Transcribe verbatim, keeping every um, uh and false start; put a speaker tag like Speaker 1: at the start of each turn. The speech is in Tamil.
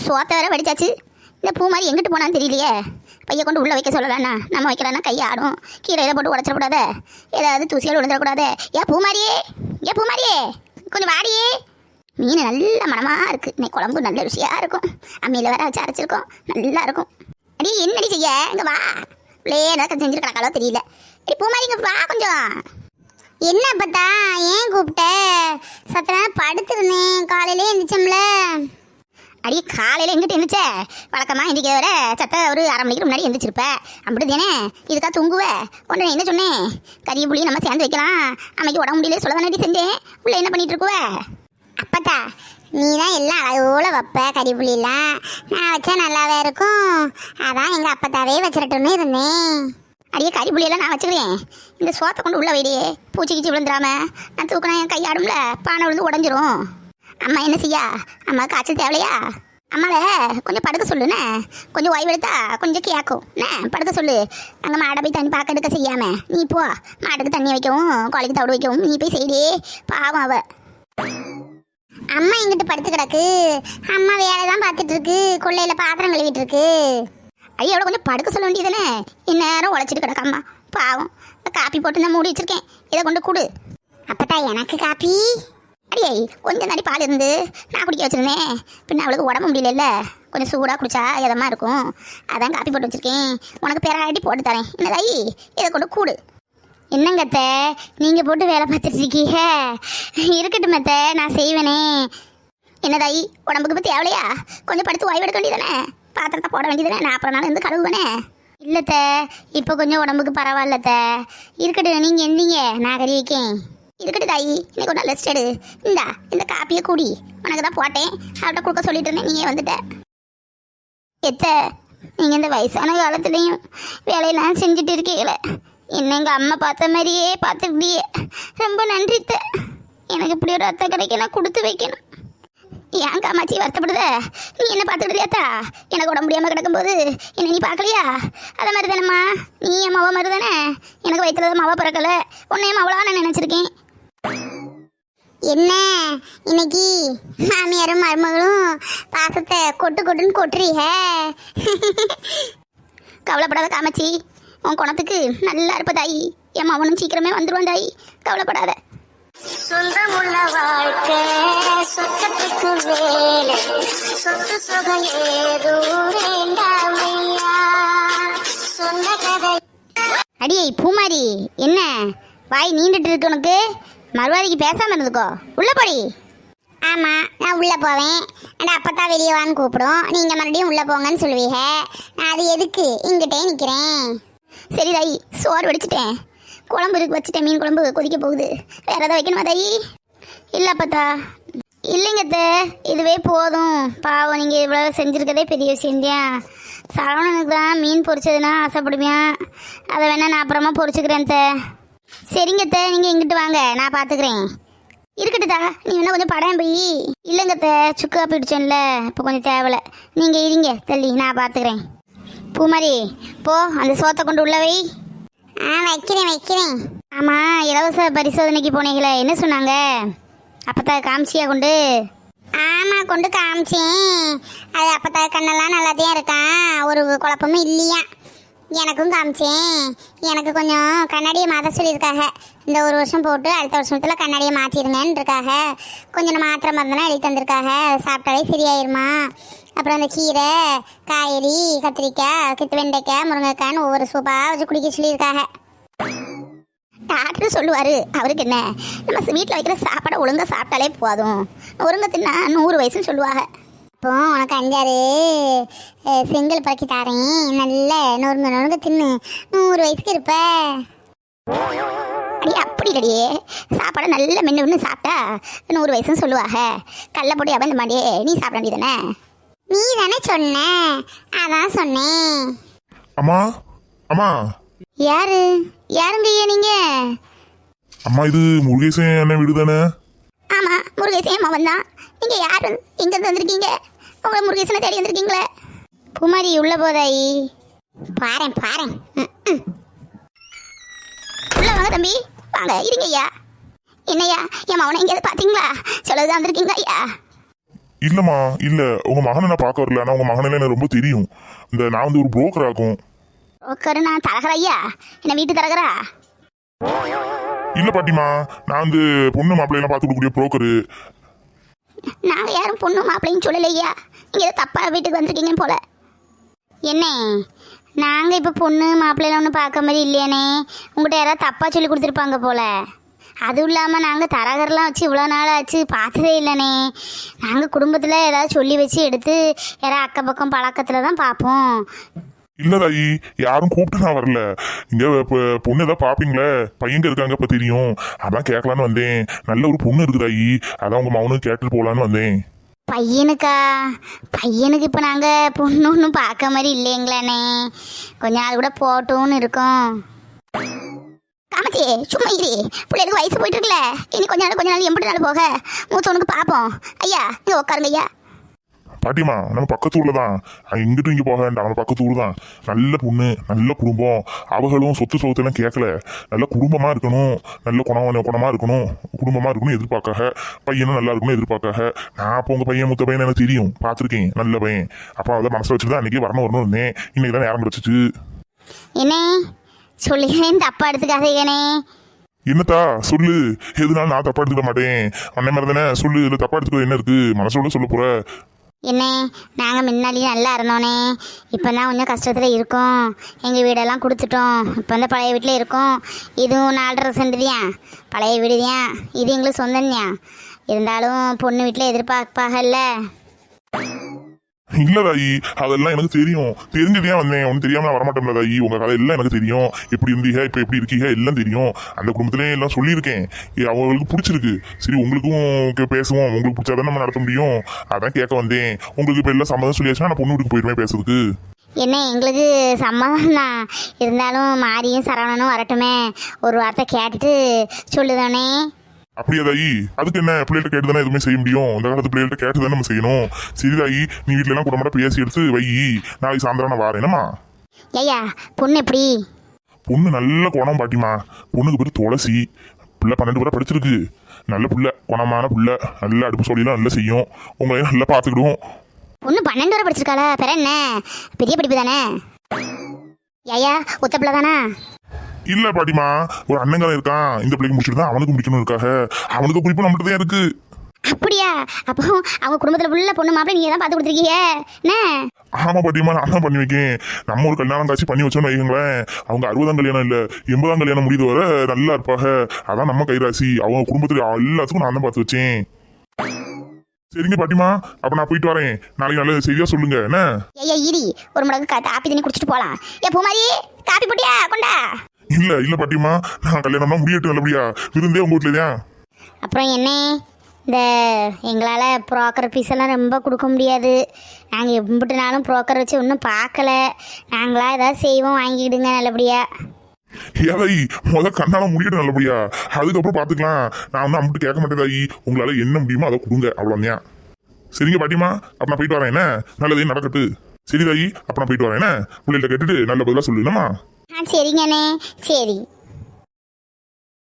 Speaker 1: சோத்த வேற வடிச்சாச்சு. இந்த பூ மாதிரி எங்கிட்டு போனான்னு தெரியலையே. பையை கொண்டு உள்ளே வைக்க சொல்லலாண்ணா, நம்ம வைக்கலான்னா கை ஆடும். கீரையில் போட்டு உடச்சிடக்கூடாத, ஏதாவது தூசியால் விழுந்துடக்கூடாது. ஏன் பூ மாதிரியே, ஏன் பூ மாதிரியே கொஞ்சம் வாடியே. மீன் நல்ல மனமாக இருக்குது. இன்னைக்கு குழம்பு நல்ல ருசியாக இருக்கும். அம்மியில் வேற வச்சு அரைச்சிருக்கோம், நல்லா இருக்கும். அடி என்னடி செய்ய, இங்கே வா. பிள்ளையே ஏதாவது செஞ்சுட்டு கிடக்காலோ தெரியல. அடி பூ மாதிரி இங்கே வா கொஞ்சம்.
Speaker 2: என்ன பார்த்தா ஏன் கூப்பிட்ட? சத்த நேரம் படுத்துருந்தேன், காலையிலே எழுந்திரிச்சோம்ல.
Speaker 1: அடி காலையில் எங்கிட்ட இருந்துச்சே, வழக்கமாக இன்றைக்கி வர சத்த ஒரு அரை மணிக்கு முன்னாடி எழுந்திரிச்சிருப்பேன். அப்படி தானே இதுக்காக தூங்குவேன். ஒன்று என்ன சொன்னேன், கறி புளி நம்ம சேர்ந்து வைக்கலாம், அன்னைக்கு உடம்பு முடியல சொல்ல தானே செஞ்சேன். உள்ள என்ன பண்ணிட்டு இருக்குவ?
Speaker 2: அப்பத்தா நீ தான் எல்லாம் அழகோல வைப்ப, கறி புளிலாம் நான் வச்சா நல்லாவே இருக்கும். அதான் எங்கள் அப்பத்தாவே வச்சிடட்டும்னு இருந்தேன்.
Speaker 1: அடியே கறி புளியெல்லாம் நான் வச்சுக்கிறேன். இந்த சோத்தை கொண்டு உள்ள வைடியே, பூச்சி கிச்சி விழுந்துடாம. நான் தூக்கினா என் கை ஆடும்ல, பானை விழுந்து உடஞ்சிரும். அம்மா என்ன செய்யா, அம்மா காய்ச்சல் தேவையா? அம்மாவை கொஞ்சம் படுக்க சொல்லுண்ணே, கொஞ்சம் ஓய்வு எடுத்தா கொஞ்சம் கேட்கும். என்ன படுக்க சொல்லு. அங்கே மாடை போய் தண்ணி பார்க்க எடுக்க செய்யாம நீ போ. மாட்டுக்கு தண்ணி வைக்கவும் கோழிக்கு தவிடு வைக்கவும் நீ போய் செய்டே. பாவம் அவ.
Speaker 2: அம்மா எங்கிட்ட படுத்து கிடக்கு, அம்மா வேலை தான் பார்த்துட்டு இருக்கு, கொள்ளையில் பாத்திரம் கழுவிட்டு இருக்கு.
Speaker 1: ஐயா எவ்வளோ கொஞ்சம் படுக்க சொல்ல வேண்டியதுதானே, இந்நேரம் உழைச்சிட்டு கிடக்கு அம்மா. பாவம். காப்பி போட்டு நான் மூடி வச்சிருக்கேன், இதை கொண்டு கொடு.
Speaker 2: அப்பத்தா எனக்கு காப்பி?
Speaker 1: அடியே கொஞ்சம் தாண்டி பால் இருந்து நான் குடிக்க வச்சுருந்தேன். பின்ன அவளுக்கு உடம்பு முடியல, கொஞ்சம் சூடாக குடிச்சா இதமாக இருக்கும். அதான் காப்பி போட்டு வச்சுருக்கேன், உனக்கு பெராட்டி போட்டு தரேன். என்னதாயி இதை கொண்டு கூடு.
Speaker 2: என்னங்கத்த நீங்கள் போட்டு வேலை பார்த்துட்டு இருக்கீங்க? இருக்கட்டும் மெத்த, நான் செய்வேனே.
Speaker 1: என்னதாயி உடம்புக்கு பற்றி தேவையா? கொஞ்சம் படுத்து ஓய்வு எடுக்க வேண்டியதானே, பாத்திரத்தை போட வேண்டியதானே, நான் அப்புறம் நாள் இருந்து கழுவுவேனே.
Speaker 2: இல்லைத்த இப்போ கொஞ்சம் உடம்புக்கு பரவாயில்லத்த. இருக்கட்டும், நீங்கள் எந்தீங்க, நான் கறி வைக்கேன்.
Speaker 1: இருக்கட்டும் தாயி, இன்னைக்கு ஒரு நாள் ரெஸ்ட் எடு. இந்தா இந்த காப்பியை கூடி, உனக்கு தான் போட்டேன், அவர்கிட்ட கொடுக்க சொல்லிட்டு இருந்தேன், நீயே வந்துட்ட. எத்த நீங்கள் இந்த வயசான காலத்துலேயும் வேலையெல்லாம் செஞ்சுட்டு இருக்கீங்களே, என்ன எங்கள் அம்மா பார்த்த மாதிரியே பார்த்துக்கிட்டியே. ரொம்ப நன்றித்த. எனக்கு இப்படி ஒரு அத்தை கிடைக்க நான் கொடுத்து வைக்கணும். ஏன் காமாச்சி வருத்தப்படுத? நீ என்ன பார்த்துக்கிட்டியாத்தா? எனக்கு உடம்பு முடியாமல் கிடக்கும்போது என்ன நீ பார்க்கலையா? அதை மாதிரி தானேம்மா, நீ என் மாவா மாதிரி தானே. எனக்கு வயிற்றுல மாவா பிறக்கலை, உன்னையும் மாவளா நான் நினச்சிருக்கேன்.
Speaker 2: என்ன இன்னைக்கு மாமியாரும் மருமகளும் பாசத்தை கொட்டு கொட்டுன்னு கொட்டுறீங்க.
Speaker 1: கவலைப்படாத காமாச்சி, உன் குணத்துக்கு நல்லா இருப்ப தாயி. என் மவனும் சீக்கிரமே வந்துடுவான் தாயி, கவலைப்படாத.
Speaker 2: சொந்தமுள்ள வாழ்க்கை சொத்தத்துக்கு வேலை, சொத்து சுகம் ஏதோ வேண்டாமையா, சொந்த கதை.
Speaker 1: அடியே பூமாரி, என்ன வாய் நீண்டுட்டு இருக்கு உனக்கு? மறுவாதிக்கு பேசாமல் இருந்துக்கோ, உள்ள போடி.
Speaker 2: ஆமாம், நான் உள்ளே போவேன். அண்ட் அப்பத்தா வெளியே வான்னு கூப்பிடும், நீங்கள் மறுபடியும் உள்ளே போங்கன்னு சொல்லுவீங்க. நான் அது எதுக்கு இங்கிட்டே நிற்கிறேன்.
Speaker 1: சரி தாயி, சோறு வடிச்சிட்டேன், குழம்பு இருக்கு வச்சுட்டேன், மீன் குழம்பு கொதிக்க போகுது. வேற ஏதாவது வைக்கணுமா தாயி? இல்லை பார்த்தா இல்லைங்கத்த, இதுவே போதும். பாவம், நீங்கள் இவ்வளோ செஞ்சுருக்கதே பெரிய விஷயந்தான். சரவணனுக்கு தான் மீன் பொரிச்சதுன்னா ஆசைப்படுவேன், அதை வேணா நான் அப்புறமா பொரிச்சுக்கிறேன் த. சரிங்கத்த, நீங்கள் இங்கிட்டு வாங்க, நான் பார்த்துக்கிறேன். இருக்கட்டுதா, நீ வேணா கொஞ்சம் படம் போய். இல்லைங்கத்த, சுக்கா பிடிச்சோம்ல, இப்போ கொஞ்சம் தேவலை. நீங்கள் இருங்க தள்ளி, நான் பார்த்துக்கிறேன். பூமாரி போ, அந்த சோத்தை கொண்டு உள்ள வை.
Speaker 2: ஆ வைக்கிறேன் வைக்கிறேன்.
Speaker 1: ஆமாம், இலவச பரிசோதனைக்கு போனீங்களே, என்ன சொன்னாங்க? அப்பத்தா காமிச்சியா கொண்டு?
Speaker 2: ஆமாம், கொண்டு காமிச்சேன். அது அப்பத்தா கண்ணெல்லாம் நல்லாத்தையும் இருக்கான், ஒரு குழப்பமும் இல்லையா. எனக்கும் காமிச்சேன். எனக்கு கொஞ்சம் கண்ணாடியை மாற்ற சொல்லியிருக்காங்க. இந்த ஒரு வருஷம் போட்டு அடுத்த வருஷத்தில் கண்ணாடியை மாற்றிடுங்கன்னு இருக்காங்க. கொஞ்சம் மாத்திரை மருந்தெல்லாம் எழுதி தந்திருக்காங்க, சாப்பிட்டாலே சரியாயிருமா. அப்புறம் அந்த கீரை, காய்கறி, கத்திரிக்காய், கித்து வெண்டைக்காய், முருங்கைக்காய்னு ஒவ்வொரு சூப்பாக வச்சு குடிக்க சொல்லியிருக்காங்க.
Speaker 1: டாக்டர் சொல்லுவார், அவருக்கு என்ன, நம்ம வீட்டில் வைக்கிற சாப்பாடை ஒழுங்காக சாப்பிட்டாலே போதும், ஒழுங்காக தின்னா நூறு வயசுன்னு சொல்லுவாங்க.
Speaker 2: இப்போ உனக்கு அஞ்சாறு செங்கல் பறக்கி தாரேன், நல்ல நொறுங்க நொறுங்க தின்னு நூறு வயசுக்கு இருப்ப.
Speaker 1: அடி அப்படி இல்லடியே, சாப்பாடை நல்ல மென்று மென்று சாப்பிட்டா நூறு வயசுன்னு சொல்லுவாங்க. கடல போட்டு அவன் இந்த மாதிரியே நீ சாப்பிட வேண்டியதானே?
Speaker 2: நீ தானே சொன்ன, அதான் சொன்னேன்.
Speaker 3: அம்மா அம்மா.
Speaker 1: யாரு யாருங்க ஐயா நீங்க?
Speaker 3: அம்மா, இது முருகேசன் அண்ணன் வீடு தானே?
Speaker 1: ஆமா, முருகேசன் மகன் தான். நீங்க யாரு, எங்க இருந்து வந்திருக்கீங்க? உங்களை முருகேசனை தேடி வந்திருக்கீங்களே.
Speaker 2: குமாரி உள்ள போதாயி? பாரேன் பாரேன்.
Speaker 1: உள்ள வாங்க தம்பி, வாங்க இருங்க ஐயா. என்னையா, என் மகனை எங்கேயாவது பார்த்தீங்களா? சொல்லதான் வந்திருக்கீங்களா ஐயா?
Speaker 3: இல்லம்மா இல்ல உங்க மகனை நான் பார்க்க வரல. ஆனா உங்க மகனை எனக்கு ரொம்ப தெரியும். இந்த நான் வந்து ஒரு புரோக்கர் ஆகும்.
Speaker 1: உட்காரு, நான் தரகரா ஐயா? என்ன வீட்டு தரகரா?
Speaker 3: இல்ல பாட்டிமா, நான் வந்து பொண்ணு மாப்பிள்ளையெல்லாம் பார்த்து கொடுக்கக்கூடிய புரோக்கரு.
Speaker 1: நாங்கள் யாரும் பொண்ணு மாப்பிள்ளைன்னு சொல்லலையா? நீங்கள் ஏதோ தப்பான வீட்டுக்கு வந்திருக்கீங்க போல. என்ன நாங்கள் இப்போ பொண்ணு மாப்பிள்ளைலாம் ஒன்றும் பார்க்க மாதிரி இல்லையானே? உங்கள்கிட்ட யாராவது தப்பாக சொல்லி கொடுத்துருப்பாங்க போல. அதுவும் இல்லாமல் நாங்கள் தரகர்லாம் வச்சு இவ்வளோ நாள் ஆச்சு பார்த்ததே இல்லைனே. நாங்கள் குடும்பத்தில் ஏதாவது சொல்லி வச்சு எடுத்து யாராவது அக்கம் பக்கம் பழக்கத்தில் தான் பார்ப்போம்.
Speaker 3: இல்ல தாயி, யாரும் கூப்பிட்டு நான் வரல. இங்க இப்ப பொண்ணு ஏதாவது பாப்பீங்களே, பையங்க இருக்காங்க இப்ப தெரியும், அதான் கேட்கலான்னு வந்தேன். நல்ல ஒரு பொண்ணு இருக்கு தாயி, அதான் உங்க மகனும் கேட்டுட்டு போலான்னு வந்தேன்.
Speaker 1: பையனுக்கா? பையனுக்கு இப்போ நாங்கள் பொண்ணு ஒன்றும் பார்க்க மாதிரி இல்லைங்களாண்ணே. கொஞ்ச நாள் கூட போட்டோன்னு இருக்கோம். காமச்சி சும்மா இரு, பிள்ளைகளுக்கு வயசு போயிட்டு இருக்குல்ல, இனி கொஞ்ச நாள் கொஞ்ச நாள் எம்பிட்டு நாள் போக மூத்தவனுக்கு பார்ப்போம். ஐயா இங்கே உட்காருங்க ஐயா.
Speaker 3: பாட்டிமா, நம்ம பக்கத்து ஊர்ல தான், இங்கிட்டும் இங்கே போக வேண்டாம், நம்ம பக்கத்து ஊர் தான். நல்ல பொண்ணு, நல்ல குடும்பம். அவர்களும் சொத்து சொத்தெல்லாம் கேட்கல. நல்ல குடும்பமா இருக்கணும், நல்ல குணம் குணமா இருக்கணும், குடும்பமா இருக்கணும் எதிர்பார்க்காக. பையனும் நல்லா இருக்கணும் எதிர்பார்க்காக. நான் அப்போ உங்க பையன் மூத்த பையன் எனக்கு தெரியும், பார்த்துருக்கேன், நல்ல பையன். அப்போ அதை மனசில் வச்சுட்டு தான் அன்னைக்கு வரணும் வரணும் இருந்தேன். இன்னைக்கு தான் நேரம் கிடச்சிச்சு.
Speaker 1: என்ன சொல்லிக்கிறேன், தப்பா எடுத்துக்காதீங்கண்ணே.
Speaker 3: என்னத்தா சொல்லு, எதுனாலும் நான் தப்பா எடுத்துக்க மாட்டேன். அண்ணன் மாதிரி தானே, சொல்லு. இதில் தப்பா எடுத்துக்க என்ன இருக்கு? மனசோட சொல்ல போற.
Speaker 1: என்ன நாங்கள் முன்னாடியே நல்லா இருந்தோனே, இப்போ தான் கொஞ்சம் கஷ்டத்தில் இருக்கோம். எங்கள் வீடெல்லாம் கொடுத்துட்டோம், இப்போ வந்து பழைய வீட்டில் இருக்கோம். இதுவும் நாலரை சென்ட் தான், பழைய வீடு தான். இது எங்களுக்கு சொந்தம் தான். இருந்தாலும் பொண்ணு வீட்டில் எதிர்பார்ப்பாகல்ல.
Speaker 3: இல்ல தாயி, அதெல்லாம் எனக்கு தெரியும். தெரிஞ்சுட்டே வந்தேன், ஒன்றும் தெரியாம நான் வரமாட்டேன்ல தாயி. உங்க கதை எல்லாம் எனக்கு தெரியும். எப்படி இருந்தீங்க, இப்போ எப்படி இருக்கீங்க எல்லாம் தெரியும். அந்த குடும்பத்திலே எல்லாம் சொல்லியிருக்கேன். ஏ, அவங்களுக்கு பிடிச்சிருக்கு. சரி, உங்களுக்கும் கே- பேசுவோம். உங்களுக்கு பிடிச்சாதான் நம்ம நடத்த முடியும். அதான் கேட்க வந்தேன். உங்களுக்கு இப்போ எல்லாம் சம்மதம் சொல்லியாச்சுன்னா நான் பொண்ணு வீட்டுக்கு போயிடுவேன் பேசுறதுக்கு.
Speaker 1: என்ன எங்களுக்கு சம்மதம் தான், இருந்தாலும் மாரியும் சரவணனும் வரட்டுமே, ஒரு வார்த்தை கேட்டுட்டு சொல்லுதானே.
Speaker 3: அப்படியா தாயி? அதுக்கு என்ன, பிள்ளைகிட்ட கேட்டு தானே எதுவுமே செய்ய முடியும். இந்த காலத்து பிள்ளைகிட்ட கேட்டு தானே நம்ம செய்யணும். சரி தாயி, நீ வீட்டுல எல்லாம் கூட பேசி எடுத்து வை. நாளைக்கு சாயந்தரம் நான் வரேன். என்னம்மா
Speaker 1: ஐயா பொண்ணு எப்படி?
Speaker 3: பொண்ணு நல்ல குணம் பாட்டிமா. பொண்ணுக்கு பேர் துளசி. பிள்ளை பன்னெண்டு பேரை படிச்சிருக்கு. நல்ல புள்ள, குணமான புள்ள. நல்ல அடுப்பு சொல்லிலாம் நல்லா செய்யும். உங்களையும் நல்லா பார்த்துக்கிடுவோம்.
Speaker 1: பொண்ணு பன்னெண்டு வரை படிச்சிருக்காளா? பெற என்ன பெரிய படிப்பு தானே. ஐயா ஒத்த பிள்ளை தானா?
Speaker 3: இல்ல பாட்டிமா, ஒரு அண்ணங்காரன் இருக்கான். இந்த பிள்ளைக்கு முடிச்சுட்டு தான் அவனுக்கு முடிக்கணும் இருக்காக. அவனுக்கு குறிப்பு நம்மகிட்ட தான் இருக்கு.
Speaker 1: அப்படியா? அப்போ அவங்க குடும்பத்தில் உள்ள பொண்ணு மாப்பிள்ளை நீங்கள் தான் பார்த்து கொடுத்துருக்கீங்க என்ன?
Speaker 3: ஆமா பாட்டிமா, நான் தான் பண்ணி வைக்கேன். நம்ம ஒரு கல்யாணம் காட்சி பண்ணி வச்சோம்னு வைங்களேன், அவங்க அறுபதாம் கல்யாணம் இல்ல எண்பதாம் கல்யாணம் முடியுது வர நல்லா இருப்பாக. அதான் நம்ம கைராசி. அவங்க குடும்பத்துல எல்லாத்துக்கும் நான் தான் பார்த்து வச்சேன். சரிங்க பாட்டிமா, அப்ப நான் போயிட்டு வரேன். நாளைக்கு நல்ல செய்தியா சொல்லுங்க என்ன.
Speaker 1: ஐயா ஈரி, ஒரு முடக்கு கா- காப்பி தண்ணி குடிச்சிட்டு போகலாம். ஏ பூமாரி, காப்பி போட்டியா? கொண்டா.
Speaker 3: இல்ல இல்ல பாட்டிமா, நான் கல்யாணம்னா முடியட்டும் நல்லபடியா. விருந்தே உங்க வீட்டுல தான்.
Speaker 1: அப்புறம் என்ன, இந்த எங்களால் ப்ரோக்கர் ஃபீஸ் எல்லாம் ரொம்ப கொடுக்க முடியாது. நாங்கள் எம்பிட்டு நாளும் ப்ரோக்கர் வச்சு ஒன்றும் பார்க்கல. நாங்களாக ஏதாவது செய்வோம், வாங்கிக்கிடுங்க நல்லபடியா.
Speaker 3: ஏதாயி முத கண்ணால முடியட்டும் நல்லபடியா, அதுக்கப்புறம் பாத்துக்கலாம். நான் வந்து அம்பிட்டு கேட்க மாட்டேன் தாயி. உங்களால என்ன முடியுமோ அதை கொடுங்க, அவ்வளோதான். சரிங்க பாட்டிமா, அப்ப நான் போயிட்டு வரேன் என்ன. நல்லதே நடக்கட்டு. சரி தாயி, அப்ப நான் போயிட்டு வரேன் என்ன. பிள்ளைகிட்ட கேட்டுட்டு நல்ல பதிலாக சொல்லணுமா.
Speaker 1: ஆ சரிங்கண்ணே, சரி.